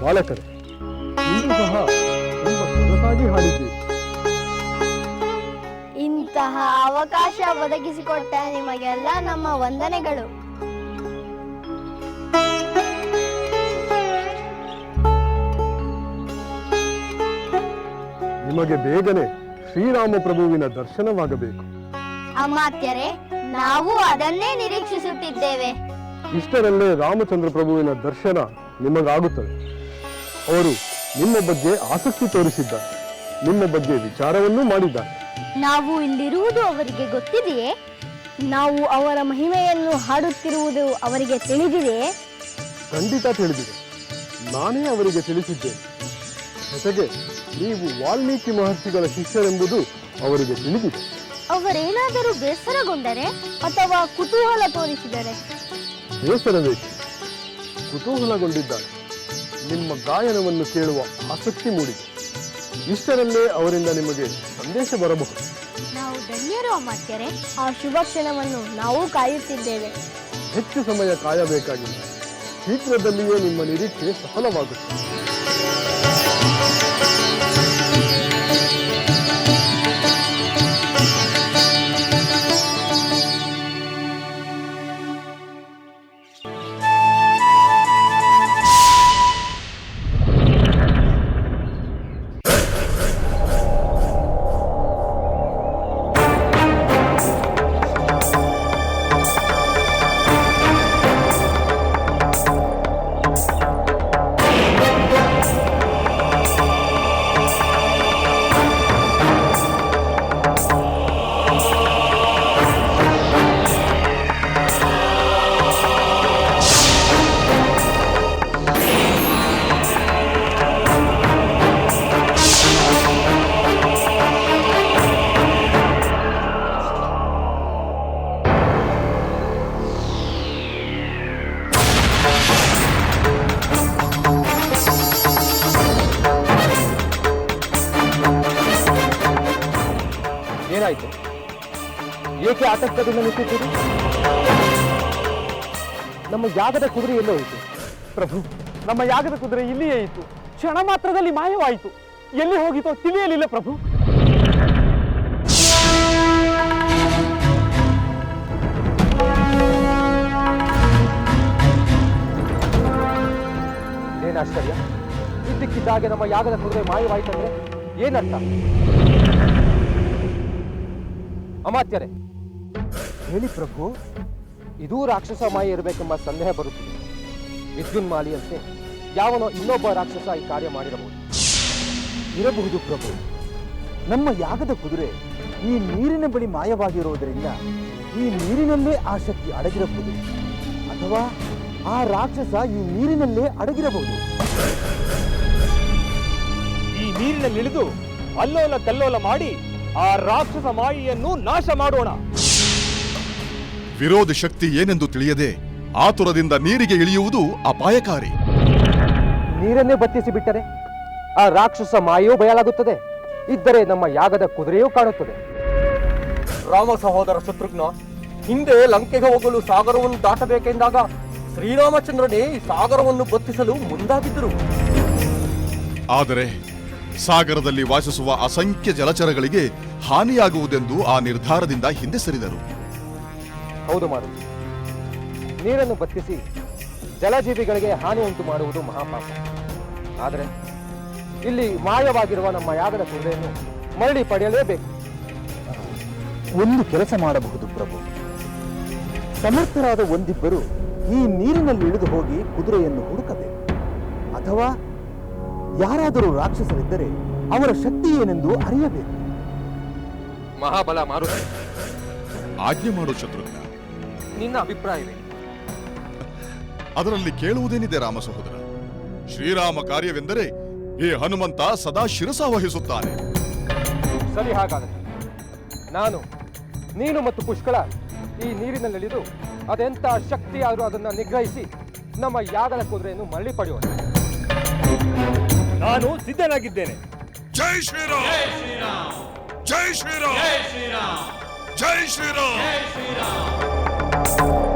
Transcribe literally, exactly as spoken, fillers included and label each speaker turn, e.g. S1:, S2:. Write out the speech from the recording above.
S1: ಬಾಲಕರೇ, ಇಂದು ಸಹ ತುಂಬ ಸೊಗಸಾಗಿ ಹಾಡಿದ್ದೀರಿ.
S2: ಇಂತಹ ಅವಕಾಶ ಒದಗಿಸಿಕೊಟ್ಟ ನಿಮಗೆಲ್ಲ ನಮ್ಮ ವಂದನೆಗಳು.
S1: ನಿಮಗೆ ಬೇಗನೆ ಶ್ರೀರಾಮ ಪ್ರಭುವಿನ ದರ್ಶನವಾಗಬೇಕು.
S2: ಅಮಾತ್ಯರೇ, ನಾವು ಅದನ್ನೇ ನಿರೀಕ್ಷಿಸುತ್ತಿದ್ದೇವೆ.
S1: ಇಷ್ಟರಲ್ಲೇ ರಾಮಚಂದ್ರ ಪ್ರಭುವಿನ ದರ್ಶನ ನಿಮಗಾಗುತ್ತದೆ. ಅವರು ನಿಮ್ಮ ಬಗ್ಗೆ ಆಸಕ್ತಿ ತೋರಿಸಿದ್ದಾರೆ, ನಿಮ್ಮ ಬಗ್ಗೆ ವಿಚಾರವನ್ನೂ ಮಾಡಿದ್ದಾರೆ.
S2: ನಾವು ಇಲ್ಲಿರುವುದು ಅವರಿಗೆ ಗೊತ್ತಿದೆಯೇ? ನಾವು ಅವರ ಮಹಿಮೆಯನ್ನು ಹಾಡುತ್ತಿರುವುದು ಅವರಿಗೆ ತಿಳಿದಿದೆಯೇ?
S1: ಖಂಡಿತ ತಿಳಿದಿದೆ. ನಾನೇ ಅವರಿಗೆ ತಿಳಿಸಿದ್ದೇನೆ. ಜೊತೆಗೆ ನೀವು ವಾಲ್ಮೀಕಿ ಮಹರ್ಷಿಗಳ ಶಿಷ್ಯರೆಂಬುದು ಅವರಿಗೆ ತಿಳಿದಿದೆ.
S2: ಅವರೇನಾದರೂ ಬೇಸರಗೊಂಡರೆ ಅಥವಾ ಕುತೂಹಲ ತೋರಿಸಿದರೆ?
S1: ಬೇಸರಬೇಕು, ಕುತೂಹಲಗೊಂಡಿದ್ದಾರೆ. ನಿಮ್ಮ ಗಾಯನವನ್ನು ಕೇಳುವ ಆಸಕ್ತಿ ಮೂಡಿದೆ. ಇಷ್ಟರಲ್ಲೇ ಅವರಿಂದ ನಿಮಗೆ ಸಂದೇಶ ಬರಬಹುದು.
S2: ನಾವು ಧನ್ಯರು ಅಮಾತ್ಯರೇ. ಆ ಶುಭ ಕ್ಷಣವನ್ನು ನಾವು ಕಾಯುತ್ತಿದ್ದೇವೆ.
S1: ಹೆಚ್ಚು ಸಮಯ ಕಾಯಬೇಕಾಗಿಲ್ಲ. ಶೀಘ್ರದಲ್ಲಿಯೇ ನಿಮ್ಮ ನಿರೀಕ್ಷೆ ಸಫಲವಾಗುತ್ತದೆ.
S3: ಏನಾಯ್ತು? ಏಕೆ ಆತಂಕದಿಂದ ನಿಂತಿದ್ದೀರಿ? ನಮ್ಮ ಯಾಗದ ಕುದುರೆ ಎಲ್ಲೋ ಹೋಯಿತು?
S4: ಪ್ರಭು, ನಮ್ಮ ಯಾಗದ ಕುದುರೆ ಇಲ್ಲಿಯೇ ಇತ್ತು. ಕ್ಷಣ ಮಾತ್ರದಲ್ಲಿ ಮಾಯವಾಯಿತು. ಎಲ್ಲಿ ಹೋಗಿತೋ ತಿಳಿಯಲಿಲ್ಲ ಪ್ರಭು.
S3: ಏನಾಶ್ಚರ್ಯ! ಇದ್ದಕ್ಕಿದ್ದಾಗೆ ನಮ್ಮ ಯಾಗದ ಕುದುರೆ ಮಾಯವಾಯಿತಂದ್ರೆ ಏನರ್ಥ? ಅಮಾತ್ಯರೇ, ಹೇಳಿ ಪ್ರಭು. ಇದೂ ರಾಕ್ಷಸ ಮಾಯೆ ಇರಬೇಕೆಂಬ ಸಂದೇಹ ಬರುತ್ತಿದೆ. ವಿದ್ಯುನ್ಮಾಲಿಯಂತೆ ಯಾವನೋ ಇನ್ನೊಬ್ಬ ರಾಕ್ಷಸ ಈ ಕಾರ್ಯ ಮಾಡಿರಬಹುದು.
S5: ಇರಬಹುದು ಪ್ರಭು. ನಮ್ಮ ಯಾಗದ ಕುದುರೆ ಈ ನೀರಿನ ಬಳಿ ಮಾಯವಾಗಿರುವುದರಿಂದ ಈ ನೀರಿನಲ್ಲೇ ಆ ಶಕ್ತಿ ಅಡಗಿರಬಹುದು, ಅಥವಾ ಆ ರಾಕ್ಷಸ ಈ ನೀರಿನಲ್ಲೇ ಅಡಗಿರಬಹುದು.
S4: ಈ ನೀರಿನಲ್ಲಿಳಿದು ಅಲ್ಲೋಲ ಕಲ್ಲೋಲ ಮಾಡಿ ಆ ರಾಕ್ಷಸ ಮಾಯೆಯನ್ನು ನಾಶ ಮಾಡೋಣ.
S6: ವಿರೋಧ ಶಕ್ತಿ ಏನೆಂದು ತಿಳಿಯದೆ ಆತುರದಿಂದ ನೀರಿಗೆ ಇಳಿಯುವುದು ಅಪಾಯಕಾರಿ.
S3: ನೀರನ್ನೇ ಬತ್ತಿಸಿ ಬಿಟ್ಟರೆ ಆ ರಾಕ್ಷಸ ಮಾಯೆಯೂ ಬಯಲಾಗುತ್ತದೆ. ಇದ್ದರೆ ನಮ್ಮ ಯಾಗದ ಕುದುರೆಯೂ ಕಾಣುತ್ತದೆ. ರಾಮ ಸಹೋದರ ಶತ್ರುಘ್ನ ಹಿಂದೆ ಲಂಕೆಗೆ ಹೋಗಲು ಸಾಗರವನ್ನು ದಾಟಬೇಕೆಂದಾಗ ಶ್ರೀರಾಮಚಂದ್ರನೇ ಈ ಸಾಗರವನ್ನು ಬತ್ತಿಸಲು ಮುಂದಾಗಿದ್ದರು.
S6: ಆದರೆ ಸಾಗರದಲ್ಲಿ ವಾಸಿಸುವ ಅಸಂಖ್ಯ ಜಲಚರಗಳಿಗೆ ಹಾನಿಯಾಗುವುದೆಂದು ಆ ನಿರ್ಧಾರದಿಂದ ಹಿಂದೆ ಸರಿದರು.
S3: ಹೌದು ಮಾರುತಿ, ನೀರನ್ನು ಬತ್ತಿಸಿ ಜಲಜೀವಿಗಳಿಗೆ ಹಾನಿ ಉಂಟು ಮಾಡುವುದು ಮಹಾಪಾಪ. ಆದರೆ ಇಲ್ಲಿ ಮಾಯವಾಗಿರುವ ನಮ್ಮ ಯಾಗದ ಕುದುರೆಯನ್ನು ಮರಳಿ ಪಡೆಯಲೇಬೇಕು.
S5: ಒಂದು ಕೆಲಸ ಮಾಡಬಹುದು ಪ್ರಭು. ಸಮರ್ಥರಾದ ಒಂದಿಬ್ಬರು ಈ ನೀರಿನಲ್ಲಿ ಇಳಿದು ಹೋಗಿ ಕುದುರೆಯನ್ನು ಹುಡುಕಬೇಕು. ಅಥವಾ ಯಾರಾದರೂ ರಾಕ್ಷಸರಿದ್ದರೆ ಅವರ ಶಕ್ತಿ ಏನೆಂದು ಅರಿಯಬೇಕು.
S3: ಮಹಾಬಲ ಮಾರುತಿ,
S6: ಆಜ್ಞೆ ಮಾಡು ಶತ್ರುಘ್ನ.
S3: ನಿನ್ನ ಅಭಿಪ್ರಾಯವೇ?
S6: ಅದರಲ್ಲಿ ಕೇಳುವುದೇನಿದೆ ರಾಮ ಸಹೋದರ. ಶ್ರೀರಾಮ ಕಾರ್ಯವೆಂದರೆ ಈ ಹನುಮಂತ ಸದಾ ಶಿರಸ ವಹಿಸುತ್ತಾನೆ.
S3: ಸರಿ, ಹಾಗಾದರೆ ನಾನು, ನೀನು ಮತ್ತು ಪುಷ್ಕಳ ಈ ನೀರಿನಲ್ಲಿಳಿದು ಅದೆಂತ ಶಕ್ತಿ ಆದರೂ ಅದನ್ನು ನಿಗ್ರಹಿಸಿ ನಮ್ಮ ಯಾಗದ ಕುದುರೆಯನ್ನು ಮರಳಿ ಪಡೆಯೋಣ.
S4: ನಾನು ಸಿದ್ಧನಾಗಿದ್ದೇನೆ.
S6: ಜೈ ಶ್ರೀರಾಮ್! ಜೈ ಶ್ರೀರಾಮ್! ಜೈ ಶ್ರೀರಾಮ್!